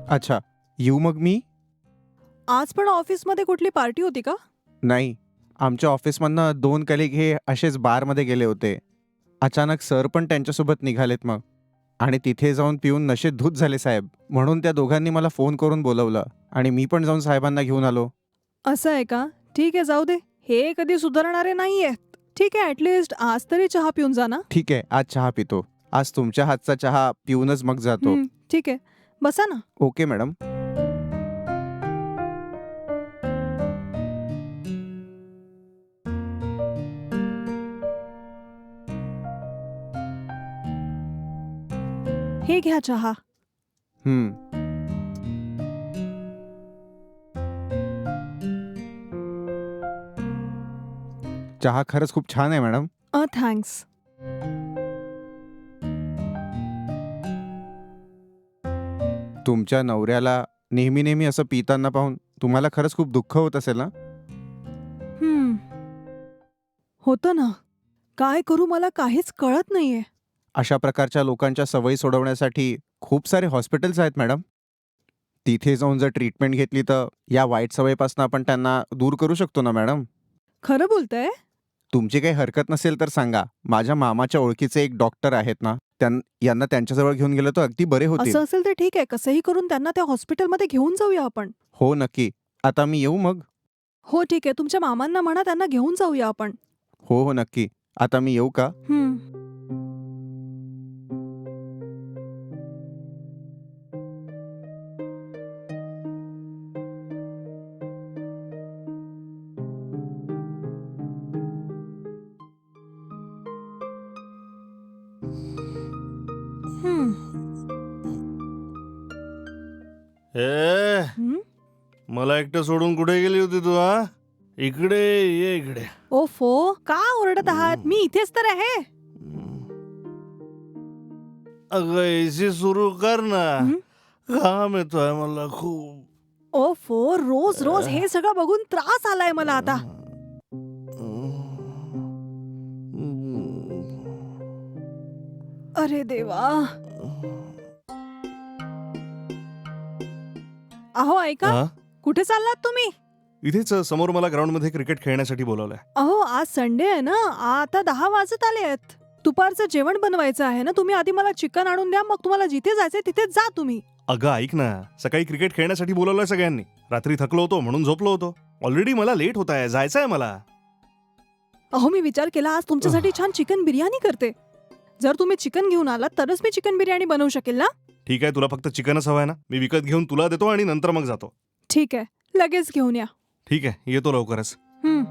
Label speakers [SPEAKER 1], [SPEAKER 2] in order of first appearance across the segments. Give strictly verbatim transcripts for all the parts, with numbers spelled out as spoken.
[SPEAKER 1] अच्छा, येऊ मग मी?
[SPEAKER 2] आज पण ऑफिसमध्ये कुठली पार्टी होती का?
[SPEAKER 1] नाही, आमच्या ऑफिसमधनं दोन कलिग हे असेच बारमध्ये गेले होते. अचानक सर पण त्यांच्यासोबत निघालेत मग. आणि तिथे जाऊन पिऊन नशेत धूत झाले साहेब. म्हणून त्या दोघांनी मला फोन करून बोलवलं आणि मी पण जाऊन साहेबांना घेऊन आलो.
[SPEAKER 2] असं आहे का? ठीक आहे, जाऊ दे. हे कधी सुधारणारे नाहीयेत. ठीक आहे, ॲटलिस्ट आज तरी चहा पिऊन जा ना.
[SPEAKER 1] ठीक आहे, आज चहा पितो. आज तुमच्या हातचा चहा पिऊनच मग जातो.
[SPEAKER 2] हं, ठीक आहे. बसा ना.
[SPEAKER 1] Okay madam.
[SPEAKER 2] हे घ्या चहा.
[SPEAKER 1] हं. चहा खरंच खूप छान आहे मॅडम.
[SPEAKER 2] अ थँक्स.
[SPEAKER 1] तुमच्या नवऱ्याला नेहमी नेहमी असं पिताना पाहून तुम्हाला खरंच खूप दुःख होत असेल ना?
[SPEAKER 2] हं. होतं ना. काय करू मला काहीच कळत नाहीये.
[SPEAKER 1] अशा प्रकारच्या लोकांच्या सवयी सोडवण्यासाठी खूप सारे हॉस्पिटल्स आहेत मॅडम. तिथे जाऊन जर ट्रीटमेंट घेतली तर या वाईट सवयीपासून आपण त्यांना दूर करू शकतो ना मॅडम.
[SPEAKER 2] खरं बोलताय?
[SPEAKER 1] तुमची काही हरकत नसेल तर सांगा. माझ्या मामाच्या ओळखीचे एक डॉक्टर आहेत ना, त्यां यांना त्यांच्याजवळ घेऊन गेलं तर अगदी बरे होतील.
[SPEAKER 2] असं असेल तर ठीक आहे. कसंही करून त्यांना त्या हॉस्पिटलमध्ये घेऊन जाऊया आपण.
[SPEAKER 1] हो नक्की. आता मी येऊ मग?
[SPEAKER 2] हो ठीक आहे. तुमच्या मामांना म्हणा त्यांना घेऊन जाऊया आपण.
[SPEAKER 1] हो हो नक्की. आता मी येऊ का?
[SPEAKER 2] हं. हं.
[SPEAKER 3] ए
[SPEAKER 2] हं?
[SPEAKER 3] मला एकटं सोडून कुठे गेली होती तू? हा, इकडे ये इकडे.
[SPEAKER 2] ओफो, का ओरडत आहात? मी इथेच तर आहे.
[SPEAKER 3] अगं एसी सुरू कर ना.
[SPEAKER 2] हं?
[SPEAKER 3] घाम येतोय मला खूप.
[SPEAKER 2] ओफो, रोज रोज हे सगळं बघून त्रास आलाय मला आता. अरे देवा. अहो ऐका,
[SPEAKER 3] हा?
[SPEAKER 2] कुठे चाललात तुम्ही?
[SPEAKER 3] इथेच समोर मला ग्राउंड मध्ये क्रिकेट खेळण्यासाठी बोलवलंय.
[SPEAKER 2] अहो आज संडे आहे ना, आता दहा वाजत आले आहेत. दुपारचं जेवण बनवायचं आहे ना. तुम्ही आधी मला चिकन आणून द्या, मग तुम्हाला जिथे जायचंय तिथे जा तुम्ही.
[SPEAKER 3] अगं ऐक ना, सकाळी क्रिकेट खेळण्यासाठी बोलवलंय सगळ्यांनी. रात्री थकलो होतो म्हणून झोपलो होतो. ऑलरेडी मला लेट होत आहे, जायचंय मला.
[SPEAKER 2] अहो मी विचार केला आज तुमच्यासाठी छान चिकन बिर्याणी करते. जर तुम्ही चिकन घेऊन आलात तरच मी चिकन बिर्याणी बनवू शकेल ना.
[SPEAKER 3] ठीक आहे, तुला फक्त चिकनच हवंय ना? मी विकत घेऊन तुला देतो आणि नंतर मग जातो.
[SPEAKER 2] ठीक आहे, लगेच घेऊन या.
[SPEAKER 3] ठीक आहे, येतो लवकरच.
[SPEAKER 2] हं.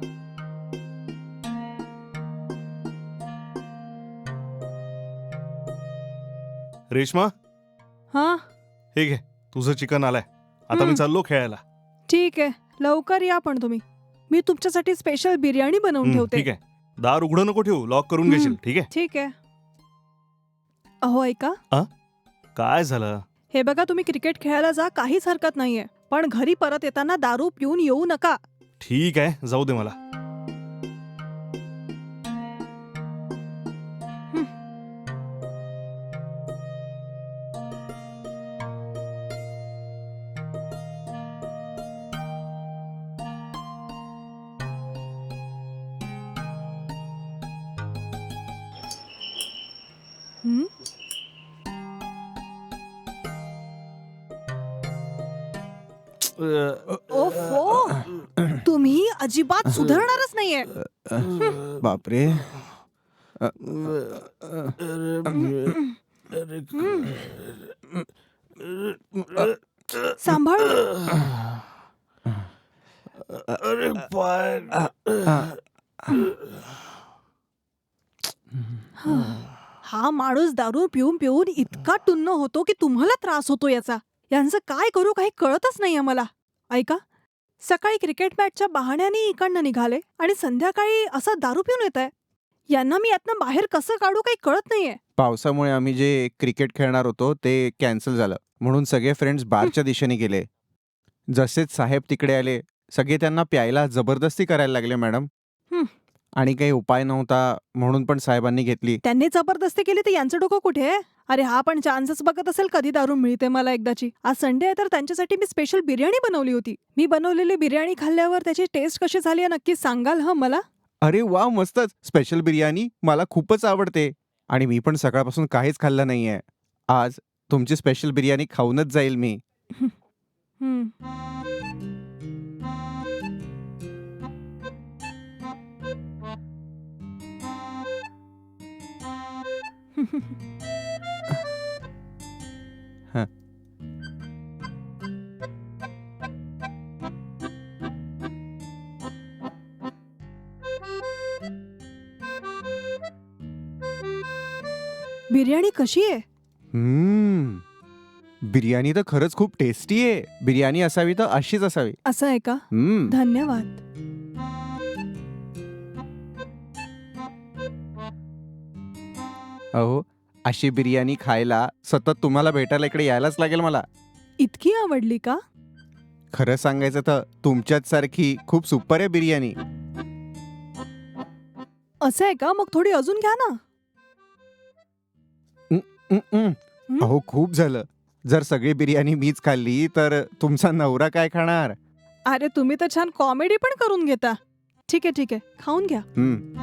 [SPEAKER 3] रेश्मा,
[SPEAKER 2] हा
[SPEAKER 3] हे घे, तुझं चिकन आलंय. आता मी
[SPEAKER 2] हं.
[SPEAKER 3] चाललो खेळायला.
[SPEAKER 2] ठीक आहे, लवकर या पण तुम्ही. मी तुमच्यासाठी स्पेशल बिर्याणी बनवून
[SPEAKER 3] हं,
[SPEAKER 2] ठेवते.
[SPEAKER 3] ठीक आहे. दार उघडं नको ठेवू, लॉक करून
[SPEAKER 2] हं.
[SPEAKER 3] घेशील. ठीक आहे.
[SPEAKER 2] ठीक आहे. अहो ऐका,
[SPEAKER 3] काय झालं?
[SPEAKER 2] हे बघा तुम्ही क्रिकेट खेळायला जा, काहीच हरकत नाहीये. पण घरी परत येताना दारू पिऊन येऊ नका.
[SPEAKER 3] ठीक आहे, जाऊ दे मला.
[SPEAKER 2] हं. हं? ओफो, तुम्ही अजिबात सुधारणारच नाहीये.
[SPEAKER 1] बापरे.
[SPEAKER 2] सांभाळ.
[SPEAKER 3] अरे पाय.
[SPEAKER 2] हा माणूस दारू पिऊन पिऊन इतका टुन्न होतो की तुम्हाला त्रास होतो याचा. यांचं काय करू काही कळतच नाहीये मला. ऐका, सकाळी क्रिकेट मॅचच्या बहाण्याने इकडनं निघाले आणि संध्याकाळी असं दारू पिऊन येत आहे. यांना मी यातनं बाहेर कसं काढू काही कळत नाहीये.
[SPEAKER 1] पावसामुळे आम्ही जे क्रिकेट खेळणार होतो ते कॅन्सल झालं. म्हणून सगळे फ्रेंड्स बारच्या दिशेने गेले. जसेच साहेब तिकडे आले, सगळे त्यांना प्यायला जबरदस्ती करायला लागले मॅडम.
[SPEAKER 2] हं.
[SPEAKER 1] आणि काही उपाय नव्हता म्हणून पण साहेबांनी घेतली.
[SPEAKER 2] त्यांनी जबरदस्ती केली तर यांचं डोकं कुठे आहे? अरे हा पण चान्सच बघत असेल कधी दारू मिळते मला एकदाची. आज संडे आहे तर त्यांच्यासाठी मी स्पेशल बिर्याणी बनवली होती. मी बनवलेली बिर्याणी खाल्ल्यावर त्याची टेस्ट कशी झाली आहे नक्की सांगाल हं मला?
[SPEAKER 1] अरे वा, मस्तच. स्पेशल बिर्याणी मला खूपच आवडते आणि मी पण सकाळपासून काहीच खाल्लं नाहीये. आज तुमची स्पेशल बिर्याणी खाऊनच जाईल मी.
[SPEAKER 2] हं.
[SPEAKER 1] हं.
[SPEAKER 2] बिर्याणी कशी आहे?
[SPEAKER 1] हम्म. बिर्याणी तर खरंच खूप टेस्टी आहे. बिर्याणी असावी तर अशीच असावी.
[SPEAKER 2] असं आहे का?
[SPEAKER 1] हम्म.
[SPEAKER 2] धन्यवाद.
[SPEAKER 1] अहो, अशी बिर्याणी खायला सतत तुम्हाला भेटायला इकडे यायलाच लागेल मला.
[SPEAKER 2] इतकी आवडली का?
[SPEAKER 1] खरं सांगायचं तर तुमच्याच सारखी खूप सुपर आहे बिर्याणी.
[SPEAKER 2] असं आहे का? मग थोडी अजून घ्या ना.
[SPEAKER 1] हं, हं.
[SPEAKER 2] हं?
[SPEAKER 1] अहो, खूप झालं. जर सगळी बिर्याणी मीच खाल्ली तर तुमचा नवरा काय खाणार?
[SPEAKER 2] अरे तुम्ही तर छान कॉमेडी पण करून घेता. ठीक आहे ठीक आहे, खाऊन घ्या.
[SPEAKER 1] हं.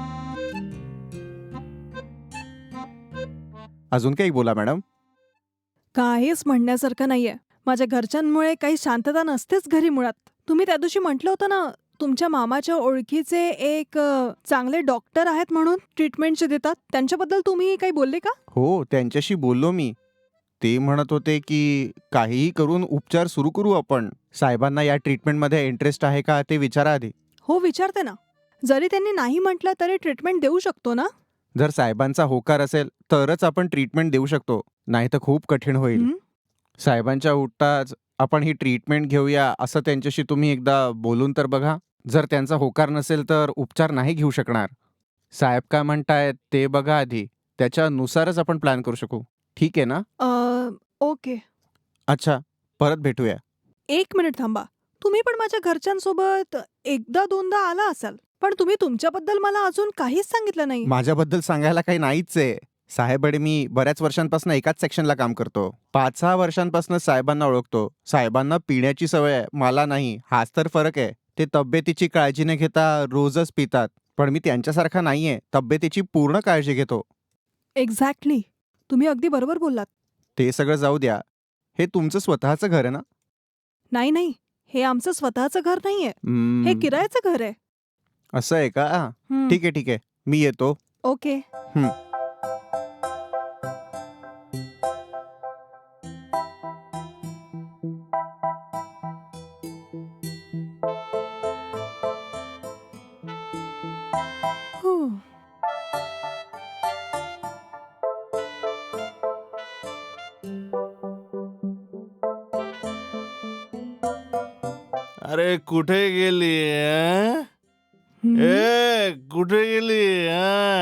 [SPEAKER 1] अजून काही बोला मॅडम.
[SPEAKER 2] काहीच म्हणण्यासारखं नाहीये. माझ्या घरच्यांमुळे काही शांतता नसतेच घरी मुळात. तुम्ही त्या दिवशी म्हटलं होतं ना, तुमच्या मामाच्या ओळखीचे एक अ, चांगले डॉक्टर आहेत म्हणून ट्रीटमेंटचे देतात. त्यांच्याबद्दल तुम्ही काही बोलले का?
[SPEAKER 1] हो, त्यांच्याशी बोललो मी. ते म्हणत होते की काहीही करून उपचार सुरू करू आपण. साहेबांना या ट्रीटमेंटमध्ये इंटरेस्ट आहे का ते विचारा आधी.
[SPEAKER 2] हो विचारते ना. जरी त्यांनी नाही म्हटलं तरी ट्रीटमेंट देऊ शकतो ना?
[SPEAKER 1] जर साहेबांचा होकार असेल तरच आपण ट्रीटमेंट देऊ शकतो. नाहीतर खूप कठीण होईल.
[SPEAKER 2] हं?
[SPEAKER 1] साहेबांच्या उठताच आपण ही ट्रीटमेंट घेऊया असं त्यांच्याशी तुम्ही एकदा बोलून तर बघा. जर त्यांचा होकार नसेल तर उपचार नाही घेऊ शकणार. साहेब काय म्हणतायत ते बघा आधी. त्याच्यानुसारच आपण प्लॅन करू शकू. ठीक आहे ना?
[SPEAKER 2] अ, ओके.
[SPEAKER 1] अच्छा, परत भेटूया.
[SPEAKER 2] एक मिनिट थांबा. तुम्ही पण माझ्या घरच्यांसोबत एकदा दोनदा आला असाल. पण तुम्ही तुमच्याबद्दल मला अजून काहीच सांगितलं नाही.
[SPEAKER 1] माझ्याबद्दल सांगायला काही नाहीच आहे. साहेब आणि मी बऱ्याच वर्षांपासून एकाच सेक्शनला काम करतो. पाच सहा वर्षांपासून साहेबांना ओळखतो. साहेबांना पिण्याची सवय आहे, मला नाही. हाच तर फरक आहे. ते तब्येतीची काळजी न घेता रोजच पितात. पण मी त्यांच्यासारखा नाहीये. तब्येतीची पूर्ण काळजी घेतो.
[SPEAKER 2] एक्झॅक्टली. तुम्ही अगदी बरोबर बोललात.
[SPEAKER 1] ते सगळं जाऊ द्या. हे तुमचं स्वतःचं घर आहे ना?
[SPEAKER 2] नाही नाही, हे आमचं स्वतःचं घर नाहीये. हे
[SPEAKER 1] हम्म,
[SPEAKER 2] किरायाचं घर आहे.
[SPEAKER 1] असं आहे का?
[SPEAKER 2] हं.
[SPEAKER 1] ठीक आहे ठीक आहे. मी येतो.
[SPEAKER 2] ओके.
[SPEAKER 1] हं.
[SPEAKER 2] हो.
[SPEAKER 3] अरे कुठे गेली? अं?
[SPEAKER 2] हं.
[SPEAKER 3] ए कुठे गेली? अं?